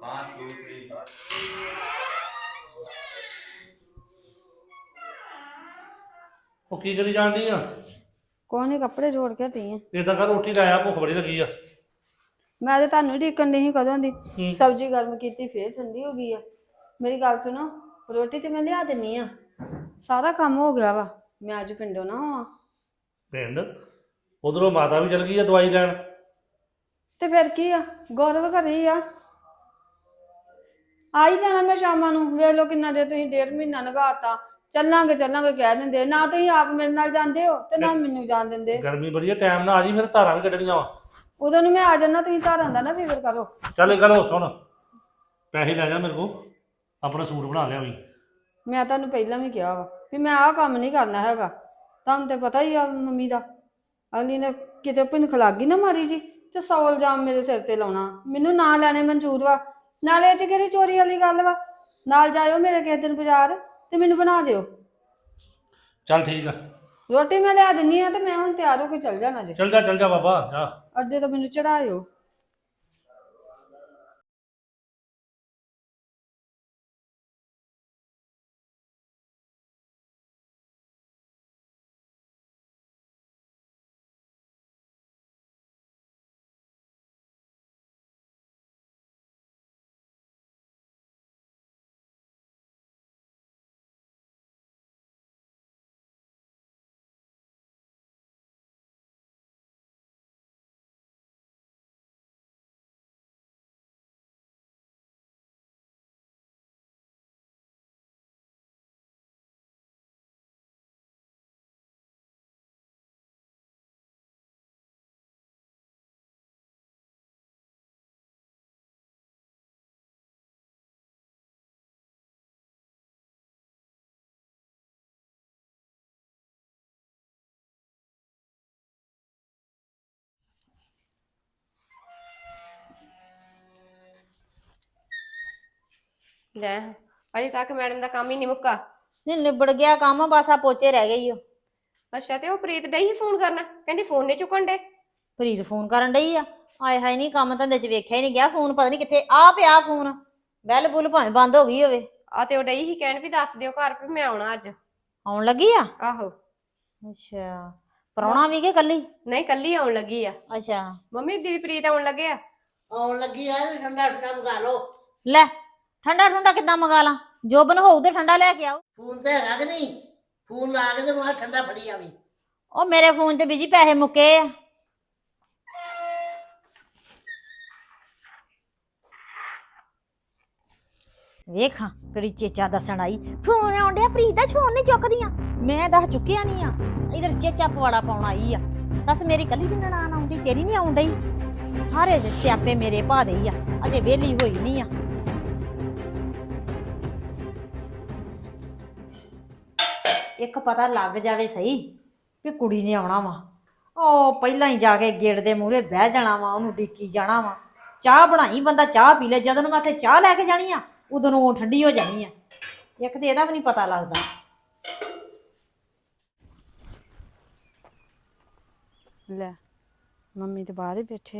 ਉਹ ਕੀ ਕਰੀ ਜਾਣ ਡਈ ਆ? ਕੋਈ ਨਹੀਂ, ਕੱਪੜੇ ਜੋੜ ਕੇ ਹਟੀ ਆ। ਇਦਾਂ ਕਰ ਰੋਟੀ ਲਾਇਆ, ਭੁੱਖ ਬੜੀ ਲੱਗੀ ਆ। ਮੈਂ ਤੇ ਤੁਹਾਨੂੰ ਢੀਕਣ ਨਹੀਂ ਕਦੋਂ ਦੀ ਹੂੰ। ਸਬਜ਼ੀ ਗਰਮ ਕੀਤੀ ਫੇਰ ਠੰਡੀ ਹੋ ਗਈ ਆ। ਮੇਰੀ ਗੱਲ ਸੁਣੋ, ਰੋਟੀ ਤੇ ਮੈਂ ਲਿਆ ਦਿੰਨੀ ਆ, ਸਾਰਾ ਕੰਮ ਹੋ ਗਿਆ ਵਾ। ਮੈਂ ਅੱਜ ਪਿੰਡੋਂ ਨਾ ਹੋਵਾਂ ਪਿੰਡ? ਉਧਰੋਂ ਮਾਤਾ ਵੀ ਚਲ ਗਈ ਆ ਦਵਾਈ ਲੈਣ। ਤੇ ਫਿਰ ਕੀ ਆ, ਗੌਰਵ ਘਰੇ ਹੀ ਆ ਹੀ ਜਾਣਾ ਮੈਂ ਸ਼ਾਮਾਂ ਨੂੰ। ਵੇਖ ਲਓ ਕਿੰਨਾ ਦੇ ਤੁਸੀਂ 1.5 ਮਹੀਨਾ ਲਗਾਤਾ। ਚੱਲਾਂਗੇ ਚੱਲਾਂਗੇ ਕਹਿ ਦਿੰਦੇ, ਨਾ ਤੁਸੀਂ ਆਪ ਮੇਰੇ ਨਾਲ ਜਾਂਦੇ ਹੋ ਤੇ ਨਾ ਮੈਨੂੰ ਜਾਣ ਦਿੰਦੇ। ਗਰਮੀ ਬੜੀ ਆ, ਟਾਈਮ ਨਾਲ ਆ ਜੀ, ਫਿਰ ਧਾਰਾਂ ਵੀ ਕੱਢਣੀਆਂ ਵਾ। ਉਦੋਂ ਨੂੰ ਮੈਂ ਆ ਜਾਣਾ, ਤੁਸੀਂ ਧਾਰਾਂ ਦਾ ਨਾ ਫਿਕਰ ਕਰੋ। ਚੱਲ ਕਰੋ, ਸੁਣ ਪੈਸੇ ਲੈ ਜਾ ਮੇਰੇ ਕੋਲ, ਆਪਣਾ ਸੂਟ ਬਣਾ ਲਿਆ ਵੀ। ਮੈਂ ਤੁਹਾਨੂੰ ਪਹਿਲਾਂ ਵੀ ਕਿਹਾ ਵਾ ਵੀ ਮੈਂ ਆਹ ਕੰਮ ਨਹੀਂ ਕਰਨਾ ਹੈਗਾ। ਤੁਹਾਨੂੰ ਤੇ ਪਤਾ ਹੀ ਆ ਮੰਮੀ ਦਾ, ਅਗਲੀ ਨੇ ਕਿਤੇ ਭਿਣਖ ਲੱਗ ਗਈ ਨਾ ਮਾਰੀ ਜੀ ਤੇ 100 ਇਲਜ਼ਾਮ ਮੇਰੇ ਸਿਰ ਤੇ ਲਾਉਣਾ। ਮੈਨੂੰ ਨਾ ਲੈਣੇ ਮਨਜ਼ੂਰ ਵਾ, ਨਾਲੇ ਇਹ 'ਚ ਕਿਹੜੀ ਚੋਰੀ ਵਾਲੀ ਗੱਲ ਵਾ। ਨਾਲ ਜਾਇਓ ਮੇਰੇ ਕਿਸੇ ਦਿਨ ਬਾਜ਼ਾਰ ਤੇ ਮੈਨੂੰ ਬਣਾ ਦਿਓ। ਚੱਲ ਠੀਕ ਆ, ਰੋਟੀ ਮੈਂ ਲਿਆ ਦਿੰਨੀ ਆ ਤੇ ਮੈਂ ਹੁਣ ਤਿਆਰ ਹੋ ਕੇ ਚੱਲ ਜਾਣਾ ਜੇ। ਚੱਲ ਜਾ ਬਾਬਾ ਜਾ। ਅੱਡੇ ਤੋਂ ਮੈਨੂੰ ਚੜਾਇਓ। ਲੈ ਅਜੇ ਤੱਕ ਮੈਡਮ ਦਾ ਕੰਮ ਹੀ ਨਹੀਂ ਮੁੱਕਾ। ਨਹੀਂ ਨਿਬੜ ਗਿਆ ਕੰਮ, ਬਸ ਆ ਪੋਚੇ ਰਹਿ ਗਏ ਈ ਓ। ਅੱਛਾ, ਤੇ ਉਹ ਪ੍ਰੀਤ ਡਈ ਹੀ ਫੋਨ ਕਰਨਾ, ਕਹਿੰਦੀ ਫੋਨ ਨਹੀਂ ਚੁੱਕਣ ਡੇ। ਪ੍ਰੀਤ ਫੋਨ ਕਰਨ ਡਈ ਆ? ਆਏ ਹਾਏ, ਨਹੀਂ ਕੰਮ ਧੰਦੇ ਚ ਵੇਖਿਆ ਹੀ ਨਹੀਂ ਗਿਆ। ਫੋਨ ਪਤਾ ਨਹੀਂ ਕਿੱਥੇ ਆ ਪਿਆ। ਫੋਨ ਬੈਲ ਬੁੱਲ ਭਾਵੇਂ ਬੰਦ ਹੋ ਗਈ ਹੋਵੇ। ਆ ਤੇ ਉਹ ਡਈ ਹੀ ਕਹਿਣ ਵੀ ਦੱਸ ਦਿਓ ਘਰ ਵੀ ਮੈਂ ਆਉਣਾ ਅੱਜ। ਆਉਣ ਲੱਗੀ ਆ? ਆਹੋ। ਅੱਛਾ, ਪ੍ਰਾਹੁਣਾ ਵੀ ਕਿ ਕੱਲੀ? ਨਹੀਂ, ਕੱਲੀ ਆਉਣ ਲੱਗੀ ਆ। ਅੱਛਾ, ਮੰਮੀ ਦੀਦੀ ਪ੍ਰੀਤ ਆਉਣ ਲੱਗੇ ਆ। ਆਉਣ ਲੱਗੀ ਆ, ਠੰਡਾ ਠੰਡਾ ਮੰਗਾ ਲਓ। ਲੈ ਠੰਡਾ ਠੰਡਾ ਕਿੱਦਾਂ ਮੰਗਾ ਲਾਂ? ਜੋਬਨ ਹੋਊ ਤੇ ਠੰਡਾ ਲੈ ਕੇ ਆਓ। ਫੋਨ ਤੇ ਹੈਗਾ ਕਿ ਨਹੀਂ? ਫੋਨ ਲਾ ਕੇ ਤੇ ਮੈਂ ਠੰਡਾ ਫੜੀ ਆਵੀਂ। ਉਹ ਮੇਰੇ ਫੋਨ ਤੇ ਬੀਜੀ ਪੈਸੇ ਮੁੱਕੇ ਆ। ਵੇਖਾਂ ਕਿਹੜੀ ਚੇਚਾ ਦੱਸਣ ਆਈ। ਫੋਨ ਆਉਣ ਡਿਆ, ਪ੍ਰੀਤ ਦਾ ਫੋਨ ਨਹੀਂ ਚੁੱਕਦੀਆਂ। ਮੈਂ ਦੱਸ ਚੁੱਕਿਆ ਨਹੀਂ ਆ, ਇਧਰ ਚੇਚਾ ਪਵਾੜਾ ਪਾਉਣ ਆਈ ਆ। ਦੱਸ ਮੇਰੀ ਕੱਲੀ ਦੀ ਨਨਾਣ ਆਉਂਦੀ, ਤੇਰੀ ਨਹੀਂ ਆਉਣ ਡਈ? ਸਾਰੇ ਸਿਆਪੇ ਮੇਰੇ ਭਾ ਦੇ ਹੀ ਆ, ਅਜੇ ਵਿਹਲੀ ਹੋਈ ਨਹੀਂ ਆ। ਇੱਕ ਪਤਾ ਲੱਗ ਜਾਵੇ ਸਹੀ ਵੀ ਕੁੜੀ ਨੇ ਆਉਣਾ ਵਾ। ਉਹ ਪਹਿਲਾਂ ਹੀ ਜਾ ਕੇ ਗੇਟ ਦੇ ਮੂਹਰੇ ਬਹਿ ਜਾਣਾ ਵਾ, ਉਹਨੂੰ ਡੀਕੀ ਜਾਣਾ ਵਾ। ਚਾਹ ਬਣਾਈ, ਬੰਦਾ ਚਾਹ ਪੀ ਲੈ। ਜਦੋਂ ਨੂੰ ਮੈਂ ਉੱਥੇ ਚਾਹ ਲੈ ਕੇ ਜਾਣੀ ਆ, ਉਦੋਂ ਨੂੰ ਉਹ ਠੰਡੀ ਹੋ ਜਾਣੀ ਆ। ਇੱਕ ਤੇ ਇਹਦਾ ਵੀ ਨਹੀਂ ਪਤਾ ਲੱਗਦਾ। ਲੈ ਮੰਮੀ ਤੇ ਬਾਹਰ ਹੀ ਬੈਠੇ ਆ।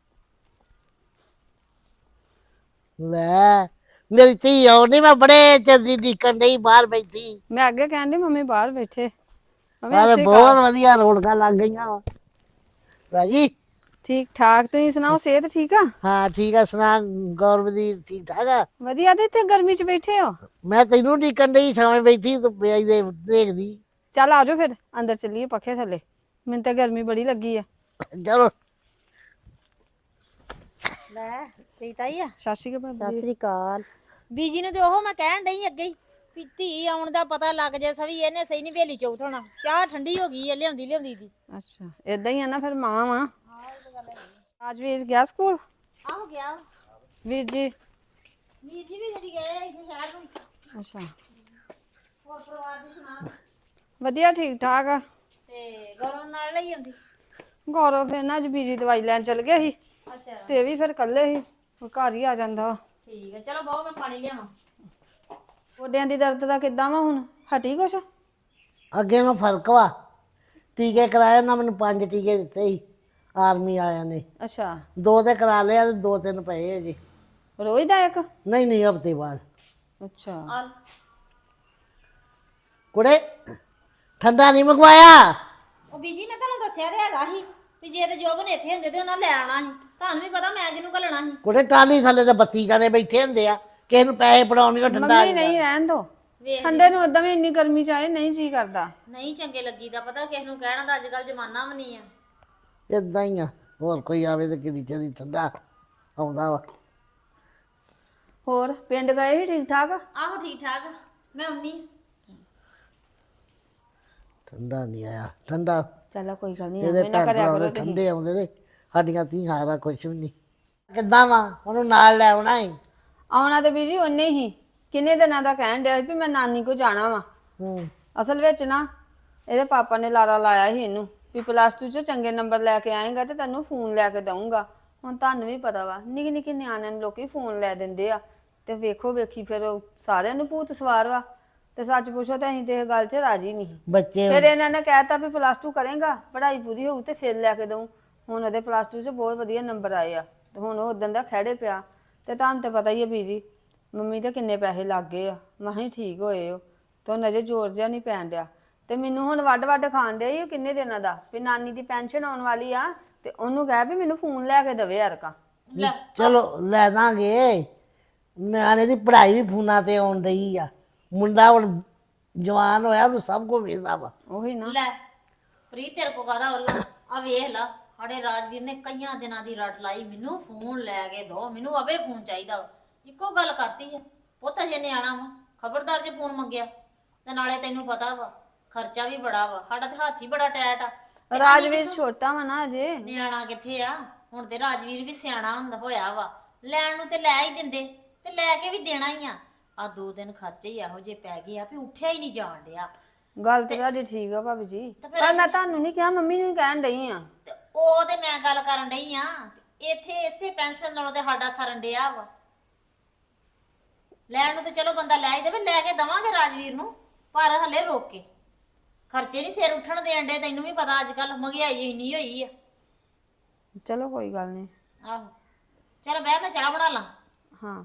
ਲੈ ਮੇਰੀ ਧੀ ਆਉਣੀ, ਮੈਂ ਬੜੇ ਚਿਰ ਦੀ ਡੀਕਣ ਡਈ ਬਾਹਰ ਬੈਠੀ। ਮੈਂ ਅੱਗੇ ਕਹਿਣ ਡਈ ਮੰਮੀ ਬਾਹਰ ਬੈਠੇ। ਆਹ ਬਹੁਤ ਵਧੀਆ ਰੌਣਕਾਂ ਲੱਗ ਗਈਆਂ ਵਾ। ਰਾਜੀ? ਠੀਕ ਠਾਕ, ਤੁਸੀਂ ਸੁਣਾਓ? ਸਿਹਤ ਠੀਕ ਆ? ਹਾਂ ਠੀਕ ਆ। ਸੁਣਾ ਗੌਰਵ ਦੀ ਠੀਕ ਠਾਕ ਆ? ਵਧੀਆ। ਤੇ ਇੱਥੇ ਗਰਮੀ 'ਚ ਬੈਠੇ ਹੋ? ਮੈਂ ਤੈਨੂੰ ਡੀਕਣ ਡਈ, ਸਾਵੇਂ ਬੈਠੀ ਤੂੰ ਪਿਆਈ ਦੇ ਦੇਖਦੀ। ਚੱਲ ਆਜੋ ਫਿਰ ਅੰਦਰ ਚੱਲੀਏ ਪੱਖੇ ਥੱਲੇ, ਮੈਨੂੰ ਤਾਂ ਗਰਮੀ ਬੜੀ ਲੱਗੀ ਆ। ਚਲੋ। ਲੈ ਪ੍ਰੀਤ ਆਈ ਆ? ਸਤਿ ਸ਼੍ਰੀ ਅਕਾਲ ਸਤਿ ਭਾਬੀ। ਸ੍ਰੀ ਅਕਾਲ। ਬੀਜੀ ਨੂੰ ਤੇ ਉਹ ਮੈਂ ਕਹਿਣ ਡਈ ਅੱਗੇ ਹੀ ਵੀ ਧੀ ਆਉਣ ਦਾ ਪਤਾ ਲੱਗ ਜੇ ਸਵੀ, ਇਹਨੇ ਸਹੀ ਨਹੀਂ ਵੇਲੀ ਚੌਥ ਹੋਣਾ। ਚਾਹ ਠੰਡੀ ਹੋ ਗਈ ਹੈ ਲਿਆਉਂਦੀ ਲਿਆਉਂਦੀ ਦੀ। ਅੱਛਾ, ਏਦਾਂ ਹੀ ਆ ਨਾ ਫਿਰ। ਮਾਂ ਵਾ। ਅੱਜ ਵੀਰ ਗਿਆ ਸਕੂਲ? ਆਹੋ ਗਿਆ। ਵੀਰ ਜੀ? ਵੀਰ ਜੀ ਵੀ ਜਿਹੜੀ ਗਏ ਇੱਥੇ ਸ਼ਹਿਰ ਨੂੰ। ਅੱਛਾ, ਹੋਰ ਪਰਿਵਾਰ ਦੀ ਸੁਣਾ? ਵਧੀਆ ਠੀਕ ਠਾਕ ਆ। ਤੇ ਗੌਰਵ ਨਾਲ ਲਈ ਆਉਂਦੀ? ਗੌਰਵ ਫਿਰ ਨਾ ਅੱਜ ਬੀਜੀ ਦਵਾਈ ਲੈਣ ਚਲ ਗਿਆ ਸੀ ਅੱਛਾ, ਤੇ ਇਹ ਵੀ ਫਿਰ ਇਕੱਲੇ ਸੀ, ਉਹ ਘਰ ਹੀ ਆ ਜਾਂਦਾ ਵਾ। ਠੀਕ ਹੈ। ਚਲੋ ਬਹੁਤ, ਮੈਂ ਪਾਣੀ ਲਿਆਵਾਂ। ਗੋਡਿਆਂ ਦੀ ਦਰਦ ਦਾ ਕਿੱਦਾਂ ਵਾ ਹੁਣ? ਹਟੀ ਕੁਛ? ਅੱਗੇ ਨੂੰ ਫਰਕ ਵਾ। ਟੀਕੇ ਕਰਾਏ ਉਹਨਾਂ, ਮੈਨੂੰ 5 ਟੀਕੇ ਦਿੱਤੇ ਸੀ ਆਰਮੀ ਵਾਲਿਆਂ ਨੇ। ਅੱਛਾ। 2 ਤੇ ਕਰਾ ਲਿਆ ਤੇ 2-3 ਪਏ ਅਜੇ। ਰੋਜ਼ ਦਾ ਇੱਕ? ਨਹੀਂ ਨਹੀਂ, ਹਫ਼ਤੇ ਬਾਅਦ। ਅੱਛਾ। ਆ ਕੁੜੇ ਠੰਡਾ ਨਹੀਂ ਮੰਗਵਾਇਆ? ਉਹ ਬੀਜੀ ਮੈਂ ਤੁਹਾਨੂੰ ਦੱਸਿਆ ਤੇ ਹੈਗਾ ਸੀ ਵੀ ਜੇ ਤੇ ਜੋਬਨ ਇੱਥੇ ਹੁੰਦੇ ਤੇ ਉਹਨਾਂ ਲੈ ਆਉਣਾ ਸੀ। ਤੁਹਾਨੂੰ ਵੀ ਪਤਾ ਮੈਂ ਕਿਹਨੂੰ ਘੱਲਣਾ ਸੀ। ਕੁੜੇ ਟਾਲੀ ਥੱਲੇ ਤੇ 32 ਜਾਣੇ ਬੈਠੇ ਹੁੰਦੇ ਆ, ਕਿਸੇ ਨੂੰ ਪੈਸੇ ਫੜਾਉਣੇ ਠੰਡਾ ਮੰਮੀ ਨਹੀਂ ਰਹਿਣ ਦੋ, ਵੇਖ ਠੰਡੇ ਨੂੰ ਉਦਾਂ ਵੀ ਇੰਨੀ ਗਰਮੀ ਚ ਆਏ ਨਹੀਂ ਜੀ ਕਰਦਾ। ਨਹੀਂ ਚੰਗੇ ਲੱਗੀਦਾ, ਪਤਾ ਕਿਸੇ ਨੂੰ ਕਹਿਣਾ ਦਾ ਅੱਜ ਕੱਲ ਜ਼ਮਾਨਾ ਵੀ ਨਹੀਂ ਆ। ਇਦਾਂ ਹੀ ਆ, ਹੋਰ ਕੋਈ ਆਵੇ ਤੇ ਕਿੰਨੀ ਚਿਰ ਠੰਡਾ ਆਉਂਦਾ ਵਾ। ਹੋਰ ਪਿੰਡ ਗਏ ਸੀ ਠੀਕ ਠਾਕ? ਆਹੋ ਠੀਕ ਠਾਕ, ਮੈਂ ਆਉਣੀ। ਠੰਡਾ ਨਹੀਂ ਆਇਆ, ਠੰਡਾ ਚਲੋ ਕੋਈ ਗੱਲ ਨਹੀਂ, ਇਹਦੇ ਐਵੇਂ ਨਾ ਭੈਣ ਕਰਿਆ ਭਰਾ ਕਰੋ ਦੇ ਤੁਸੀਂ। ਠੰਡੇ ਆਉਂਦੇ ਤੇ ਸਾਡੀਆਂ ਧੀਆਂ ਦਾ ਕੁਛ ਵੀ ਨਹੀਂ। ਕਿੱਦਾਂ ਵਾ ਉਹਨੂੰ ਨਾਲ ਲੈ ਆਉਣਾ ਏ? ਆਉਣਾ ਤੇ ਬੀਜੀ ਉਹਨੇ ਹੀ ਕਿੰਨੇ ਦਿਨਾਂ ਦਾ ਕਹਿਣ ਡਿਆ ਸੀ ਵੀ ਮੈਂ ਨਾਨੀ ਕੋ ਜਾਣਾ ਵਾ। ਹੂੰ। ਅਸਲ ਵਿੱਚ ਨਾ ਇਹਦੇ ਪਾਪਾ ਨੇ ਲਾਰਾ ਲਾਇਆ ਸੀ ਇਹਨੂੰ ਵੀ +2 ਚ ਚੰਗੇ ਨੰਬਰ ਲੈ ਕੇ ਆਏਗਾ ਤੇ ਤੈਨੂੰ ਫੋਨ ਲੈ ਕੇ ਦਊਂਗਾ। ਹੁਣ ਤੁਹਾਨੂੰ ਵੀ ਪਤਾ ਵਾ ਨਿੱਕੇ ਨਿੱਕੇ ਨਿਆਣਿਆਂ ਨੂੰ ਲੋਕੀ ਫੋਨ ਲੈ ਦਿੰਦੇ ਆ ਤੇ ਵੇਖੋ ਵੇਖੀ ਫਿਰ ਉਹ ਸਾਰਿਆਂ ਨੂੰ ਭੂਤ ਸਵਾਰ ਵਾ। ਤੇ ਸੱਚ ਪੁੱਛੋ ਤਾਂ ਅਸੀਂ ਤੇ ਇਹ ਗੱਲ 'ਚ ਰਾਜੀ ਨਹੀਂ। ਬੱਚੇ ਫਿਰ ਇਹਨਾਂ ਨੇ ਕਹਿਤਾ ਵੀ +2 ਕਰੇਗਾ, ਪੜ੍ਹਾਈ ਪੂਰੀ ਹੋਊ ਤੇ ਫਿਰ ਲੈ ਕੇ ਦਊਂ। ਹੁਣ ਉਹਦੇ +2 'ਚ ਬਹੁਤ ਵਧੀਆ ਨੰਬਰ ਆਏ ਆ ਤੇ ਹੁਣ ਉਹ ਉਦੋਂ ਦਾ ਖਹਿੜੇ ਪਿਆ। ਤੇ ਤੁਹਾਨੂੰ ਤੇ ਪਤਾ ਹੀ ਆ ਬੀਜੀ ਮੰਮੀ ਦੇ ਕਿੰਨੇ ਪੈਸੇ ਲੱਗ ਗਏ ਆ, ਮਸਾਂ ਹੀ ਠੀਕ ਹੋਏ ਉਹ ਤੇ ਉਹਨਾਂ ਅਜੇ ਜ਼ੋਰ ਜਿਹਾ ਨਹੀਂ ਪੈਣ ਡਿਆ। ਤੇ ਮੈਨੂੰ ਹੁਣ ਵੱਡ ਖਾਣ ਡਿਆ ਸੀ ਕਿੰਨੇ ਦਿਨਾਂ ਦਾ ਵੀ ਨਾਨੀ ਦੀ ਪੈਨਸ਼ਨ ਆਉਣ ਵਾਲੀ ਆ ਤੇ ਉਹਨੂੰ ਕਹਿ ਵੀ ਮੈਨੂੰ ਫੋਨ ਲੈ ਕੇ ਦੇਵੇ ਯਾਰਕਾ। ਚਲੋ ਲੈ ਦਾਂਗੇ, ਨਿਆਣੇ ਦੀ ਪੜ੍ਹਾਈ ਵੀ ਫੋਨਾਂ ਤੇ ਆਉਣ ਡਈ ਆ। ਮੁੰਡਾ ਹੁਣ ਜਵਾਨ ਹੋਇਆ, ਉਹਨੂੰ ਸਭ ਕੁਝ ਵੇਖਦਾ ਵਾ। ਉਹੀ ਨਾ। ਲੈ ਪ੍ਰੀਤ ਤੇਰੇ ਕੋ ਕਾਹਦਾ ਵੱਲਾ ਆ ਵੇਖ ਲਾ, ਸਾਡੇ ਰਾਜਵੀਰ ਨੇ ਕਈਆਂ ਦਿਨਾਂ ਦੀ ਰੱਟ ਲਾਈ ਮੈਨੂੰ ਫੋਨ ਲੈ ਕੇ ਦੋ, ਮੈਨੂੰ ਅਵੇ ਫੋਨ ਚਾਹੀਦਾ ਵਾ। ਇੱਕੋ ਗੱਲ ਕਰਤੀ ਹੈ, ਪੁੱਤ ਜੇ ਨਿਆਣਾ ਵਾ ਖਬਰਦਾਰ ਜੇ ਫੋਨ ਮੰਗਿਆ ਤੇ ਨਾਲੇ ਤੈਨੂੰ ਪਤਾ ਵਾ ਖਰਚਾ ਵੀ ਬੜਾ ਵਾ, ਸਾਡਾ ਤੇ ਹੱਥ ਹੀ ਬੜਾ ਟੈਟ ਆ। ਤੇ ਰਾਜਵੀਰ ਛੋਟਾ ਵਾ ਨਾ ਅਜੇ। ਨਿਆਣਾ ਕਿੱਥੇ ਆ, ਹੁਣ ਤੇ ਰਾਜਵੀਰ ਵੀ ਸਿਆਣਾ ਹੁੰਦਾ ਹੋਇਆ ਵਾ, ਲੈਣ ਨੂੰ ਤੇ ਲੈ ਹੀ ਦਿੰਦੇ ਤੇ ਲੈ ਕੇ ਵੀ ਦੇਣਾ ਹੀ ਆ। ਆ 2 ਦਿਨ ਖਰਚੇ ਹੀ ਇਹੋ ਜੇ ਪੈ ਗਏ ਆ ਵੀ ਉੱਠਿਆ ਹੀ ਨਹੀਂ ਜਾਣ ਡਿਆ। ਗੱਲ ਤੇ ਤੁਹਾਡੀ ਠੀਕ ਆ ਭਾਬੀ ਜੀ, ਤੇ ਫਿਰ ਪਰ ਮੈਂ ਤੁਹਾਨੂੰ ਨਹੀਂ ਕਿਹਾ, ਮੰਮੀ ਨੂੰ ਕਹਿਣ ਡਈ ਆ। ਤੇ ਉਹ ਤੇ ਮੈਂ ਗੱਲ ਕਰਨ ਡਈ ਆ, ਇੱਥੇ ਇਸੇ ਪੈਨਸ਼ਨ ਨਾਲੋਂ ਤੇ ਸਾਡਾ ਸਰਨ ਡਿਆ ਵਾ। ਲੈਣ ਨੂੰ ਤੇ ਚਲੋ ਬੰਦਾ ਲੈ ਹੀ ਦੇਵੇ, ਲੈ ਕੇ ਦਵਾਂਗੇ ਰਾਜਵੀਰ ਨੂੰ, ਪਰ ਹਲੇ ਰੋਕ ਕੇ। ਖਰਚੇ ਨਹੀਂ ਸਿਰ ਉੱਠਣ ਦੇਣ ਡੇ, ਤੈਨੂੰ ਵੀ ਪਤਾ ਅੱਜ ਕੱਲ ਮਹਿੰਗਾਈ ਇੰਨੀ ਹੋਈ ਆ। ਚਲੋ ਕੋਈ ਗੱਲ ਨਹੀਂ। ਆਹੋ ਚਲ ਬਹਿ, ਮੈਂ ਚਾਹ ਬਣਾ ਲਾਂ। ਹਾਂ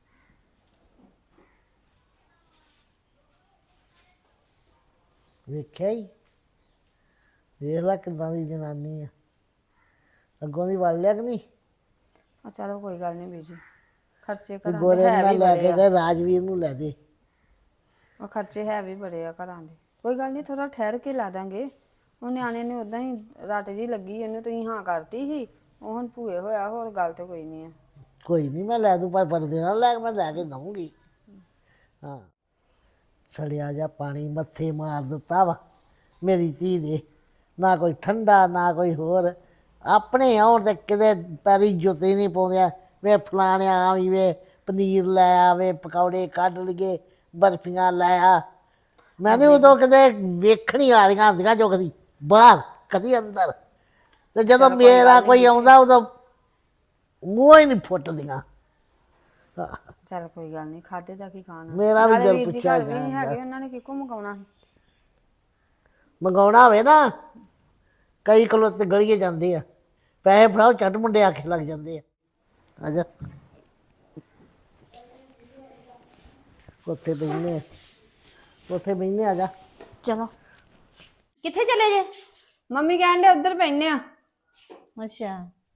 ਵੇਖਿਆ ਹੀ, ਵੇਖ ਲਾ ਕਿੱਦਾਂ ਦੀ ਜਨਾਨੀ ਆ, ਅੱਗੋਂ ਦੀ ਵੜ ਲਿਆ ਕਿ ਨਹੀਂ? ਚਲੋ ਕੋਈ ਗੱਲ ਨਹੀਂ ਬੀਜੀ, ਖਰਚੇ ਵੀ ਘਰਾਂ ਗੋਰੇ ਦੇ ਨੂੰ ਹੈ ਨਾ ਵੀ ਲੈ ਬੜੇ ਕੇ ਆ। ਤੇ ਰਾਜਵੀਰ ਨੂੰ ਲੈ ਦੇ। ਉਹ ਖਰਚੇ ਹੈ ਵੀ ਬੜੇ ਆ ਘਰਾਂ ਦੇ। ਕੋਈ ਗੱਲ ਨਹੀਂ, ਥੋੜਾ ਠਹਿਰ ਕੇ ਲਾ ਦਾਂਗੇ। ਉਹ ਨਿਆਣੇ ਨੇ ਉਦਾਂ ਹੀ ਰੱਟ ਜੀ ਲੱਗੀ, ਉਹਨੂੰ ਤੁਸੀਂ ਹਾਂ ਕਰਤੀ ਸੀ, ਉਹ ਹੁਣ ਭੂਏ ਹੋਇਆ, ਹੋਰ ਗੱਲ ਤੇ ਕੋਈ ਨਹੀਂ ਆ। ਕੋਈ ਨਹੀਂ, ਮੈਂ ਲੈ ਦੂੰ, ਪਰ ਪਰਦੇ ਨਾਲ ਲੈ ਕੇ ਮੈਂ ਲੈ ਕੇ ਦਊਂਗੀ। ਹਾਂ, ਸੜਿਆ ਜਾ ਪਾਣੀ ਮੱਥੇ ਮਾਰ ਦਿੱਤਾ ਵਾ ਮੇਰੀ ਧੀ ਦੇ, ਨਾ ਕੋਈ ਠੰਡਾ ਨਾ ਕੋਈ ਹੋਰ। ਆਪਣੇ ਆਉਣ ਤੇ ਕਿਤੇ ਪੈਰੀ ਜੁੱਤੀ ਨਹੀਂ ਪਾਉਂਦੇ, ਵੇ ਫਲਾਣਿਆ ਵੀ ਵੇ ਪਨੀਰ ਲੈ ਆਵੇ, ਪਕੌੜੇ ਕੱਢ ਲਈਏ, ਬਰਫੀਆਂ ਲੈ ਆ। ਮੈਂ ਵੀ ਉਦੋਂ ਕਿਤੇ ਵੇਖਣੀ ਆ ਰਹੀਆਂ ਹੁੰਦੀਆਂ, ਜੋ ਕਦੀ ਬਾਹਰ ਕਦੀ ਅੰਦਰ, ਤੇ ਜਦੋਂ ਮੇਰਾ ਕੋਈ ਆਉਂਦਾ ਉਦੋਂ ਮੂੰਹ ਹੀ ਨਹੀਂ ਫੁੱਟਦੀਆਂ। ਚੱਲ ਕੋਈ ਗੱਲ ਨਹੀਂ, ਖਾਦੇ ਦਾ ਕੀ ਖਾਣਾ। ਮੇਰਾ ਵੀ ਨਾਲੇ ਦਿਲ ਵੀਰ ਜੀ ਪੁੱਛਿਆ ਘਰ ਵੀ ਨਹੀਂ ਜਾਂਦਾ। ਹੈਗੇ, ਉਹਨਾਂ ਨੇ ਕਿੱਕੋ ਮੰਗਾਉਣਾ ਸੀ। ਮੰਗਾਉਣਾ ਹੋਵੇ ਨਾ, ਕਈ ਕਿਲੋ ਤੇ ਗਲੀਏ ਜਾਂਦੇ ਆ, ਪੈਸੇ ਫੜਾਓ ਝੱਟ ਮੁੰਡੇ ਆਖੇ ਲੱਗ ਜਾਂਦੇ ਆ। ਆਜਾ ਉੱਥੇ ਬਹਿਨੇ, ਉੱਥੇ ਬਹਿਨੇ, ਆ ਜਾ। ਚਲੋ ਕਿੱਥੇ ਚਲੇ ਜੇ? ਮੰਮੀ ਕਹਿੰਦੇ ਉੱਧਰ ਪੈਨੇ ਆ। ਅੱਛਾ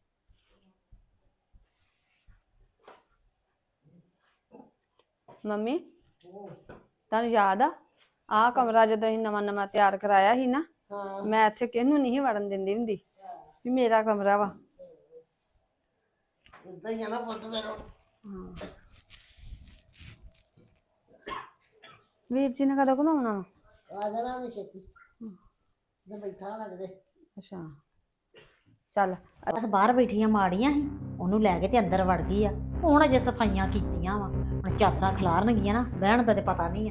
ਮੰਮੀ ਤੁਹਾਨੂੰ ਯਾਦ ਆ ਆਹ ਕਮਰਾ ਜਦੋਂ ਅਸੀਂ ਨਵਾਂ ਤਿਆਰ ਕਰਾਇਆ ਸੀ ਨਾ, ਮੈਂ ਇੱਥੇ ਕਿਹਨੂੰ ਨਹੀਂ ਵੜਨ ਦਿੰਦੀ ਹੁੰਦੀ ਵੀ ਮੇਰਾ ਕਮਰਾ ਵਾ। ਇਦਾਂ ਹੀ ਆ ਨਾ ਪੁੱਤ ਮੇਰਾ। ਵੀਰ ਜੀ ਨੇ ਕਦੋਂ ਘੁਮਾਉਣਾ ਵਾ? ਆ ਜਾਣਾ ਵੀ ਛੇਤੀ, ਮੈਂ ਬੈਠਾ ਨਾ ਕਿਤੇ। ਅੱਛਾ ਚੱਲ। ਬਸ ਬਾਹਰ ਬੈਠੀਆਂ ਮਾੜੀਆਂ ਸੀ, ਉਹਨੂੰ ਲੈ ਕੇ ਤੇ ਅੰਦਰ ਵੜ ਗਈ ਆ। ਹੁਣ ਅਜੇ ਸਫਾਈਆਂ ਕੀਤੀਆਂ ਵਾ, ਹੁਣ ਚਾਦਰਾਂ ਖਿਲਾਰਨਗੀਆਂ ਨਾ, ਬਹਿਣ ਦਾ ਤੇ ਪਤਾ ਨਹੀਂ ਆ।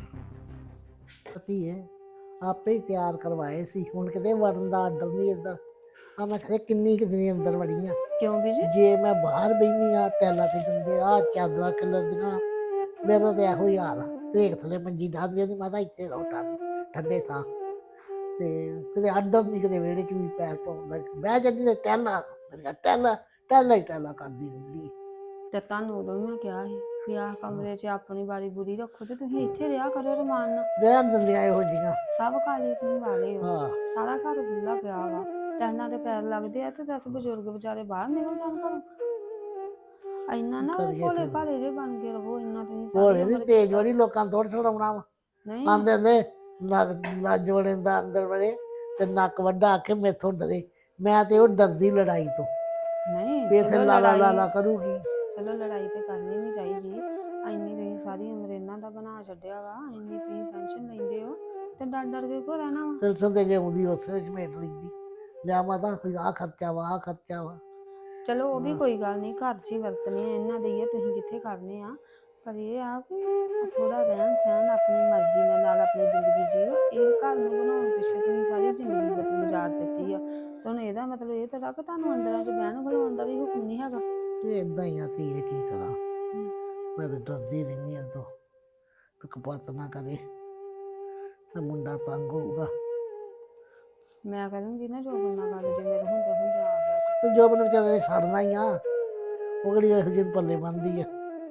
ਪਤੀ ਹੈ ਆਪੇ ਹੀ ਤਿਆਰ ਕਰਵਾਏ ਸੀ, ਹੁਣ ਕਿਤੇ ਵੜਨ ਦਾ ਆਰਡਰ ਨਹੀਂ ਇੱਧਰ। ਆ ਮੈਂ ਖਰੇ ਕਿੰਨੀ ਕੁ ਦਿਨ ਅੰਦਰ ਵੜੀਆਂ। ਕਿਉਂ ਬੀਜੀ? ਜੇ ਮੈਂ ਬਾਹਰ ਬਹਿਨੀ ਆ ਟੈਲਾਂ ਤੇ ਜਾਂਦੇ ਆ ਚਾਦਰਾਂ ਖਿਲਰਦੀਆਂ, ਮੇਰਾ ਤਾਂ ਇਹੋ ਹੀ ਹਾਲ ਆ। ਢੇਕ ਥੱਲੇ ਮੰਜੀ ਡਾਹਦੀ ਦੀ ਮਾਤਾ ਇੱਥੇ ਰਹੋ ਠੰਡੇ ਥਾਂ, ਤੇ ਕਿਤੇ ਆਰਡਰ ਨਹੀਂ, ਕਿਤੇ ਵਿਹੜੇ 'ਚ ਵੀ ਪੈਰ ਪਾਉਂਦਾ। ਬਹਿ ਜਾਂਦੀ ਤੇ ਟਹਿਲਾਂ, ਮੇਰੀਆਂ ਟਹਿਲਾਂ ਹੀ ਟਹਿਲਾਂ ਕਰਦੀ ਰਹਿੰਦੀ। ਤੇ ਤੁਹਾਨੂੰ ਉਦੋਂ ਵੀ ਮੈਂ ਕਿਹਾ ਸੀ ਵੀ ਆਹ ਕਮਰੇ 'ਚ ਆਪਣੀ ਵਾਰੀ ਬੁਰੀ ਰੱਖੋ ਤੇ ਤੁਸੀਂ ਇੱਥੇ ਰਿਹਾ ਕਰੋ ਰਮਾਨ ਨਾਲ। ਰਹਿਣ ਦਿੰਦੀਆਂ ਇਹੋ ਜੀਆਂ। ਸਭ ਕਾਲੇ ਤੁਸੀਂ ਵਾਲੇ ਹੋ, ਹਾਂ ਸਾਰਾ ਘਰ ਖੁੱਲਾ ਪਿਆ ਵਾ, ਟਹਿਲਾਂ ਦੇ ਪੈਰ ਲੱਗਦੇ ਆ ਤੇ 10 ਬਜ਼ੁਰਗ ਵਿਚਾਰੇ ਬਾਹਰ ਨਿਕਲ ਜਾਣ ਘਰੋਂ। ਇੰਨਾ ਨਾ ਕਰੀਏ ਭੋਲੇ ਫਿਰ। ਭਾਲੇ ਜੇ ਬਣ ਕੇ ਰਹੋ, ਇੰਨਾ ਤੁਸੀਂ ਭੋਲੇ ਸਾਰੀ ਨੀ ਉਮਰ ਤੇਜ ਕੀਤਾ। ਵਾਲੀ ਲੋਕਾਂ ਨੂੰ ਥੋੜ੍ਹਾ ਛਡਾਉਣਾ ਵਾ। ਨਹੀਂ ਆਂਦੇ ਨੇ ਲੱਜ ਵੜੇ ਦਾ ਅੰਦਰ ਵੜੇ ਤੇ ਨੱਕ ਵੱਡਾ ਆਖੇ ਮੈਥੋਂ ਡਰੇ। ਮੈਂ ਤੇ ਉਹ ਡਰਦੀ ਲੜਾਈ ਤੋਂ ਨਹੀਂ ਵੀ ਇੱਥੇ ਚਲੋ ਲਾਲਾ ਲੜਾਈ, ਲਾਲਾ ਕਰੂਗੀ। ਚਲੋ ਲੜਾਈ ਤੇ ਕਰਨੀ ਨਹੀਂ ਚਾਹੀਦੀ। ਇੰਨੀ ਤੁਸੀਂ ਸਾਰੀ ਉਮਰ ਇਹਨਾਂ ਦਾ ਬਣਾ ਛੱਡਿਆ ਵਾ, ਇੰਨੀ ਤੁਸੀਂ ਪੈਨਸ਼ਨ ਲੈਂਦੇ ਹੋ ਤੇ ਡਰ ਡਰ ਕੇ ਕੋ ਰਹਿਣਾ ਵਾ। ਪੈਨਸ਼ਨ ਤੇ ਜੇ ਆਉਂਦੀ ਉਸੇ ਵਿੱਚ ਮੇਟ ਲੈਂਦੀ। ਲਿਆ ਮਾਤਾ ਆਹ ਖਰਚਾ ਵਾ ਆਹ ਖਰਚਾ ਵਾ। ਚਲੋ ਉਹ ਵੀ ਹਾਂ। ਕੋਈ ਗੱਲ ਨਹੀਂ, ਘਰ 'ਚ ਹੀ ਵਰਤਨੇ ਆ, ਇਹਨਾਂ ਦੇ ਹੀ ਆ, ਤੁਸੀਂ ਕਿੱਥੇ ਕਰਨੇ ਆ। ਪਰ ਇਹ ਆ ਕਿ ਥੋੜਾ ਰਹਿਣ ਸਹਿਣ ਆਪਣੀ ਮਰਜ਼ੀ ਦੇ ਨਾਲ ਆਪਣੀ ਜ਼ਿੰਦਗੀ ਜੀਓ। ਇਹ ਘਰ ਨੂੰ ਬਣਾਉਣ ਪਿੱਛੇ ਤੁਸੀਂ ਸਾਰੀ ਜ਼ਿੰਦਗੀ ਗੁਜ਼ਾਰ ਦਿੱਤੀ ਆ, ਤੇ ਹੁਣ ਇਹਦਾ ਮਤਲਬ ਇਹ ਤਾਂ ਕਿ ਤੁਹਾਨੂੰ ਅੰਦਰਾਂ 'ਚ ਬਹਿਣ ਖਲੋਣ ਦਾ ਵੀ ਹੁਕਮ ਨਹੀਂ ਹੈਗਾ। ਤੇ ਏਦਾਂ ਹੀ ਆ ਧੀਏ, ਕੀ ਕਰਾਂ। ਮੈਂ ਤਾਂ ਡਰਦੀ ਰਹਿੰਦੀ ਹਾਂ ਤੋਂ ਕਪੱਤ ਨਾ ਕਰੇ ਤੇ ਮੁੰਡਾ ਤੰਗ ਹੋਊਗਾ। ਮੈਂ ਕਰੂੰਗੀ ਨਾ ਜੋ ਬੰਨਾ ਗੱਲ, ਜੇ ਮੇਰੇ ਹੁੰਦੇ ਹੁੰਦੇ ਆ ਗਿਆ ਤੇ ਜੋ ਮੈਨੂੰ ਵਿਚਾਰੇ ਨੇ ਛੱਡਣਾ ਹੀ ਆ, ਉਹ ਕਿਹੜੀ ਇਹੋ ਜਿਹੀ ਪੱਲੇ ਬੰਦੀ ਆ।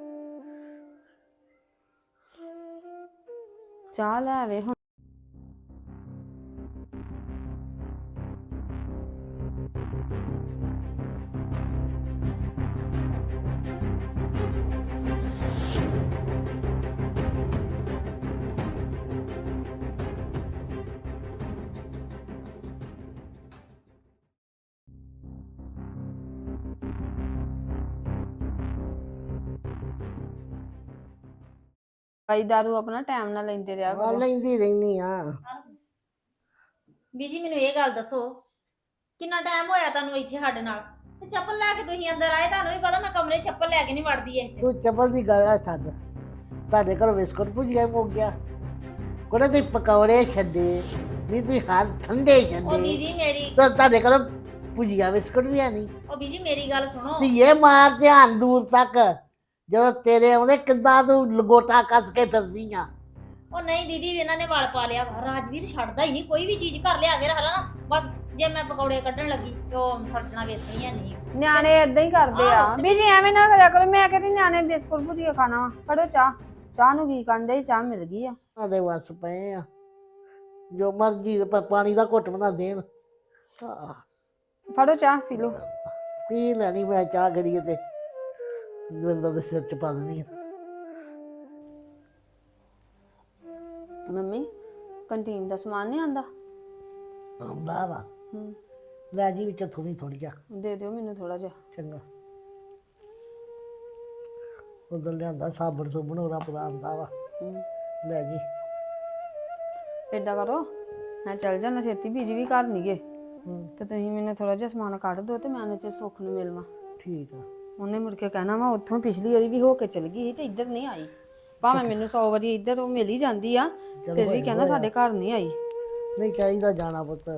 ਚਾਹ ਲੈ ਆਵੇ ਹੁਣ। ਭਾਈ ਦਾਰੂ ਆਪਣਾ ਟਾਈਮ ਨਾਲ ਲੈਂਦੇ ਰਿਹਾ ਆ ਕਰੋ। ਲੈਂਦੀ ਰਹਿੰਦੀ ਆ। ਬੀਜੀ ਮੈਨੂੰ ਇਹ ਗੱਲ ਦੱਸੋ, ਕਿੰਨਾ ਟਾਈਮ ਹੋਇਆ ਤੁਹਾਨੂੰ ਇੱਥੇ ਸਾਡੇ ਨਾਲ? ਤੇ ਚੱਪਲ ਲੈ ਕੇ ਤੁਸੀਂ ਅੰਦਰ ਆਏ, ਤੁਹਾਨੂੰ ਵੀ ਪਤਾ ਮੈਂ ਕਮਰੇ 'ਚ ਚੱਪਲ ਲੈ ਕੇ ਨਹੀਂ ਵੜਦੀ ਇਹ 'ਚ। ਤੂੰ ਚੱਪਲ ਦੀ ਗੱਲ ਆ ਛੱਡ। ਤੁਹਾਡੇ ਘਰੋਂ ਬਿਸਕੁਟ ਭੁਜੀਆ ਮੁੱਕ ਗਿਆ, ਕੋਲੇ ਤੇ ਪਕੌੜੇ ਛੱਡੇ ਨਹੀਂ, ਤੁਸੀਂ ਹਰ ਠੰਡੇ ਉਹ ਛੱਡੇ ਦੀਦੀ ਮੇਰੀ, ਤਾਂ ਤੁਹਾਡੇ ਘਰੋਂ ਭੁਜੀਆ ਬਿਸਕੁਟ ਵੀ ਹੈ ਨਹੀਂ। ਉਹ ਬੀਜੀ ਮੇਰੀ ਗੱਲ ਸੁਣੋ। ਧੀਏ ਮਾਰ ਧਿਆਨ ਦੂਰ ਤੱਕ, ਜਦੋਂ ਤੇਰੇ ਆਉਂਦੇ ਕਿੱਦਾਂ ਤੂੰ ਲਗੋਟਾ ਕੱਸ ਕੇ ਫਿਰਦੀ ਆ। ਉਹ ਨਹੀਂ ਦੀਦੀ ਇਹਨਾਂ ਨੇ ਵਲ ਪਾ ਲਿਆ ਵਾ। ਰਾਜਵੀਰ ਛੱਡਦਾ ਹੀ ਨਹੀਂ, ਕੋਈ ਵੀ ਚੀਜ਼ ਘਰ ਲਿਆ ਕੇ ਰੱਖ ਲਾ ਨਾ, ਬਸ ਜੇ ਮੈਂ ਪਕੌੜੇ ਕੱਢਣ ਲੱਗੀ ਤੇ ਉਹ ਸੜਨਾ ਵੇਸਣੀ ਹੈ ਨਹੀਂ। ਨਿਆਣੇ ਏਦਾਂ ਹੀ ਕਰਦੇ ਆ ਵੀ ਜੀ, ਐਵੇਂ ਨਾ ਕਰਿਆ ਕਰੋ। ਮੈਂ ਕਹਿੰਦੀ ਨਿਆਣੇ ਬਿਸਕੁਟ ਭੁਜੀਆ ਖਾਣਾ ਵਾ, ਫੜੋ ਚਾਹ। ਚਾਹ ਨੂੰ ਕੀ ਕਹਿੰਦੇ, ਚਾਹ ਮਿਲ ਗਈ ਆ। ਉਹਦੇ ਵੱਸ ਪਏ ਆ, ਜੋ ਮਰਜੀ ਪਾਣੀ ਦਾ ਘੁੱਟ ਬਣਾ ਦੇਣ। ਆਹ, ਫੜੋ ਚਾਹ ਪੀ ਲਓ। ਪੀ ਲੈਣੀ ਮੈਂ ਚਾਹ ਗੜੀਏ ਤੇ ਦਵਿੰਦਰ ਦੇ ਸਿਰ ਚ ਪਾ ਦੇਣੀ ਆ। ਮੰਮੀ ਕੰਟੀਨ ਦਾ ਸਮਾਨ ਨਹੀਂ ਆਂਦਾ? ਆਉਂਦਾ ਵਾ, ਹੂੰ, ਲੈ ਜੀ ਵਿੱਚ ਥੋੜੀ ਥੋੜੀ ਜਾ। ਦੇ ਦਿਓ ਮੈਨੂੰ ਥੋੜਾ ਜਿਹਾ। ਚੰਗਾ, ਉਧਰ ਲਿਆਂਦਾ ਸਾਬਣ ਸੁਬਣ ਉਹਦਾ ਪੂਰਾ ਆਉਂਦਾ ਵਾ, ਹੂੰ, ਲੈ ਜੀ। ਏਦਾਂ ਕਰੋ, ਮੈਂ ਚੱਲ ਜਾਣਾ ਛੇਤੀ, ਬੀਜੀ ਵੀ ਘਰ ਨਹੀਂ ਗਏ, ਹੂੰ ਤੇ ਤੁਸੀਂ ਮੈਨੂੰ ਥੋੜਾ ਜਿਹਾ ਸਮਾਨ ਕੱਢ ਦਿਓ ਤੇ ਮੈਂ ਉਹਨੇ ਚ ਸੁੱਖ ਨੂੰ ਮਿਲਵਾਂ। ਠੀਕ ਆ। ਉਹਨੇ ਮੁੜ ਕੇ ਕਹਿਣਾ ਵਾ ਉੱਥੋਂ ਪਿਛਲੀ ਵਾਰੀ ਵੀ ਹੋ ਕੇ ਚਲ ਗਈ ਸੀ ਤੇ ਇੱਧਰ ਨਹੀਂ ਆਈ। ਭਾਵੇਂ ਮੈਨੂੰ 100 ਵਾਰੀ ਇੱਧਰ ਉਹ ਮਿਲ ਹੀ ਜਾਂਦੀ ਆ, ਫਿਰ ਵੀ ਕਹਿਣਾ ਸਾਡੇ ਘਰ ਨਹੀਂ ਆਈ। ਨਹੀਂ ਚਾਹੀਦਾ ਜਾਣਾ ਪੁੱਤ।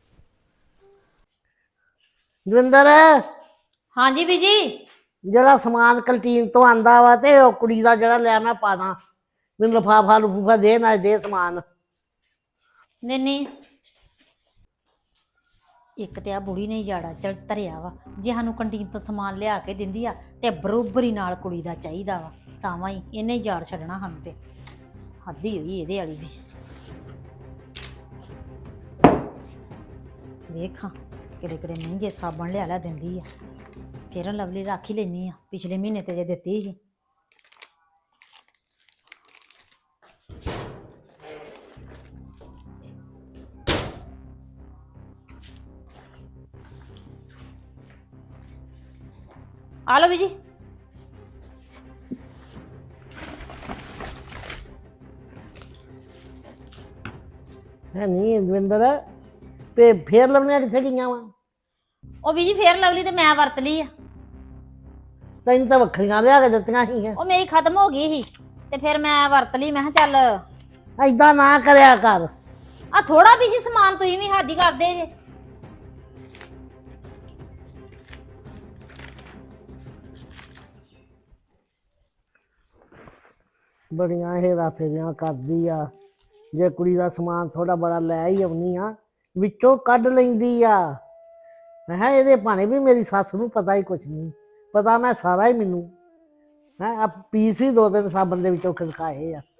ਦਵਿੰਦਰ, ਹਾਂਜੀ ਬੀਜੀ। ਜਿਹੜਾ ਸਮਾਨ ਕੰਟੀਨ ਤੋਂ ਆਂਦਾ ਵਾ ਤੇ ਉਹ ਕੁੜੀ ਦਾ ਜਿਹੜਾ ਲਿਆ ਮੈਂ ਪਾ ਦਾਂ, ਮੈਨੂੰ ਲਿਫਾਫਾ ਲਫੂਫਾ ਦੇ ਨਾ ਦੇ ਸਮਾਨ। ਨਹੀਂ ਇੱਕ ਤੇ ਆ ਬੁੜੀ ਨੇ ਜਾੜਾ ਚੜ ਧਰਿਆ ਵਾ, ਜੇ ਸਾਨੂੰ ਕੰਟੀਨ ਤੋਂ ਸਮਾਨ ਲਿਆ ਕੇ ਦਿੰਦੀ ਆ ਤੇ ਬਰੋਬਰੀ ਨਾਲ ਕੁੜੀ ਦਾ ਚਾਹੀਦਾ ਵਾ। ਸਾਵਾਂ ਹੀ ਇਹਨੇ ਹੀ ਜਾੜ ਛੱਡਣਾ ਸਾਨੂੰ ਤੇ, ਹੱਦ ਹੀ ਹੋਈ ਇਹਦੇ ਵਾਲੀ ਵੀ। ਵੇਖਾਂ ਕਿਹੜੇ ਕਿਹੜੇ ਮਹਿੰਗੇ ਸਾਬਣ ਲਿਆ ਲਿਆ ਦਿੰਦੀ ਆ। ਫੇਰ ਲਵਲੀ ਰੱਖ ਹੀ ਲੈਣੀ ਆ, ਪਿਛਲੇ ਮਹੀਨੇ ਤੇ ਜੇ ਦਿੱਤੀ ਸੀ। ਆ ਲਓ ਬੀਜੀ। ਹੈ ਨਹੀਂ ਦਵਿੰਦਰ, ਤੇ ਫੇਰ ਲਵਣੀਆਂ ਕਿੱਥੇ ਗਈਆਂ ਵਾ? ਉਹ ਬੀਜੀ ਫੇਰ ਲਵਲੀ ਤੇ ਮੈਂ ਵਰਤ ਲਈ ਆ। ਤੈਨੂੰ ਤਾਂ ਵੱਖਰੀਆਂ ਲਿਆ ਕੇ ਦਿੱਤੀਆਂ ਸੀ। ਉਹ ਮੇਰੀ ਖਤਮ ਹੋ ਗਈ ਸੀ ਤੇ ਫਿਰ ਮੈਂ ਵਰਤ ਲਈ। ਮੈਂ ਕਿਹਾ ਚੱਲ ਏਦਾਂ ਨਾ ਕਰਿਆ ਕਰ। ਆ ਥੋੜਾ ਬੀਜੀ ਸਮਾਨ ਤੁਸੀਂ ਵੀ ਹੱਦ ਹੀ ਕਰਦੇ ਜੇ। ਬੜੀਆਂ ਹੇਰਾ ਫੇਰੀਆਂ ਕਰਦੀ ਆ। ਜੇ ਕੁੜੀ ਦਾ ਸਮਾਨ ਥੋੜਾ ਬੜਾ ਲੈ ਹੀ ਆਉਣੀ ਆ, ਵਿੱਚੋਂ ਕੱਢ ਲੈਂਦੀ ਆ। ਮੈਂ ਕਿਹਾ ਇਹਦੇ ਭਾਣੇ ਵੀ ਮੇਰੀ ਸੱਸ ਨੂੰ ਪਤਾ ਹੀ ਕੁਛ ਨਹੀਂ, ਪਤਾ ਮੈਂ ਸਾਰਾ ਹੀ ਮੈਨੂੰ। ਹੈ ਆ ਪੀਸ ਵੀ ਦੋ ਤਿੰਨ ਸਾਬਣ ਦੇ ਵਿੱਚੋਂ ਖਿਸਕਾਏ ਆ